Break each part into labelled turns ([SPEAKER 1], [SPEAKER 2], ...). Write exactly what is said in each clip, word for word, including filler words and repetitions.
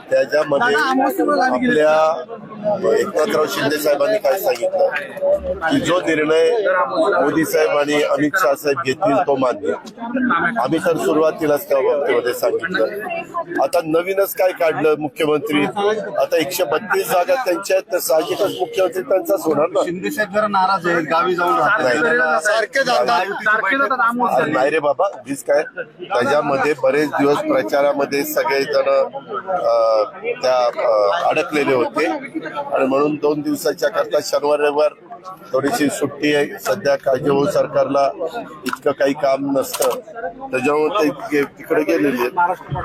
[SPEAKER 1] त्याच्यामध्ये आपल्या एकनाथराव शिंदे साहेबांनी काय सांगितलं की जो निर्णय मोदी साहेब आणि अमित शाह साहेब घेतील तो मान्य. आम्ही तर सुरुवातीलाच त्या बाबतीमध्ये सांगितलं. आता नवीनच काय काढलं मुख्यमंत्री, आता एकशे बत्तीस जागा त्यांच्या आहेत तर साहजिकच मुख्यमंत्री त्यांचाच होणार ना.
[SPEAKER 2] शिंदे साहेब जरा नाराज आहेत, गावी जाऊन राहतात, सारखे जातात.
[SPEAKER 1] नाही रे बाबा, वीज काय त्याच्यामध्ये बरेच दिवस प्रचारामध्ये सगळेजण त्या अडकलेले होते आणि म्हणून दोन दिवसाच्या करता शनिवार रविवार थोडीशी सुट्टी आहे. सध्या काळजीभाऊ सरकारला इतकं काही काम नसतं त्याच्यामुळे ते तिकडे गेलेले आहेत.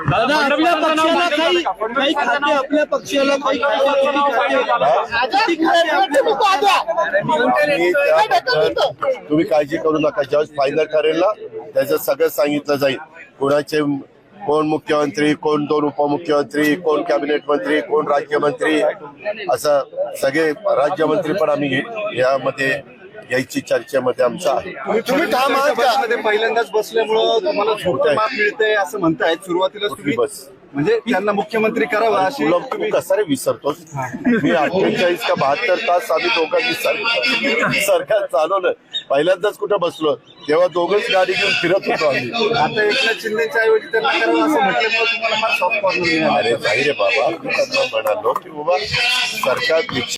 [SPEAKER 1] तुम्ही काळजी करू नका, ज्यावेळेस फायनल ठरेल ना त्याचं सगळं सांगितलं जाईल. कोणाचे कोण मुख्यमंत्री, कोण दोन उपमुख्यमंत्री, कोण कॅबिनेट मंत्री, कोण राज्यमंत्री, असं सगळे राज्यमंत्री पण आम्ही यामध्ये यायची चर्चेमध्ये आमचा आहे.
[SPEAKER 2] तुम्ही ठाम आहात का? पहिल्यांदाच बसल्यामुळं तुम्हाला झोपतं माप मिळतंय असं म्हणतायत. सुरुवातीला तुम्ही
[SPEAKER 1] बस
[SPEAKER 2] म्हणजे त्यांना मुख्यमंत्री करावा अशी
[SPEAKER 1] तुम्ही कसं रे विसरतोस? मी अठ्ठेचाळीस का बहात्तर तास आम्ही दोघांनी सरकार चालवलं. पहिल्यांदाच कुठं बसलो तेव्हा दोघंच गाडी घेऊन फिरत होतो आम्ही.
[SPEAKER 2] आता एकनाथ शिंदेच्या ऐवजी त्यांना करावं असं म्हटल्यामुळे तुम्हाला फार सॉफ्ट कॉर्नर.
[SPEAKER 1] अरे नाही रे बाबा, मी त्यांना म्हणालो की बाबा सरकार